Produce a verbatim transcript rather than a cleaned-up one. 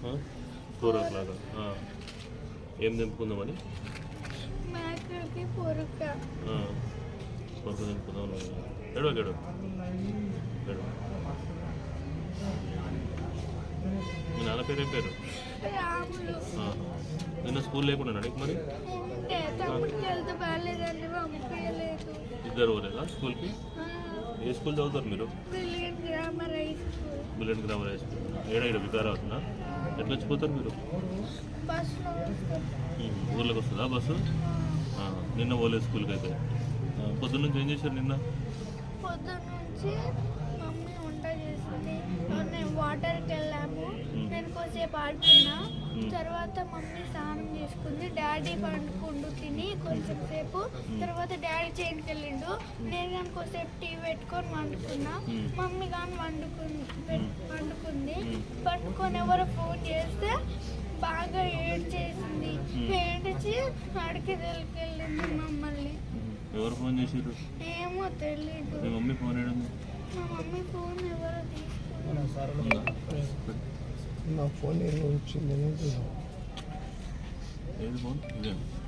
Four ఓ clock ఏం తెంపుకుందామని పొరుక పొరుక తెంపుకుందాం ఎడవ గడు గడు మీ నాన్న పేరు ఏం పేరు నిన్న స్కూల్ లేకుండా నీకు మరి ఇద్దరు పోలేదా స్కూల్కి ఏ స్కూల్ చదువుతారు మీరు brilliant grammar high school bullet grammar high school ఏడా ఇక్కడ వికారా అవుతుందా ఎట్లా వచ్చిపోతారు మీరు ఊర్లోకి వస్తుందా బస్సు నిన్న పోలేదు స్కూల్కి అయితే పొద్దున్న నుంచి ఏం చేశారు నిన్న పొద్దున్న నుంచి మమ్మీ వంట చేసింది నేను వాటర్కి వెళ్ళాము నేను కొద్దిసేపు ఆడుకున్నా తర్వాత మమ్మీ స్నానం చేసుకుంది డాడీ పండుకుండు తిని కొంచెం సేపు తర్వాత డాడీ చేనుకి వెళ్ళిండు నేను కానీ కొద్దిసేపు టీవీ పెట్టుకొని వండుకున్నా మమ్మీ కానీ వండుకుంది వండుకుంది పట్టుకొని ఎవరో ఫోన్ చేస్తే బాగా ఏడ్ చేసింది ఏడ్చి అడికి వెళ్ళింది మమ్మల్ని. ఎవరు ఫోన్ చేసారు ఏమో తెలీదు. మీ మమ్మీ ఫోన్ వేయడం మా మమ్మీ ఫోన్ ఎవరో తీసుకున్నారు. నా ఫోన్ ఏమో వచ్చింది ఏది ఫోన్ ఇదే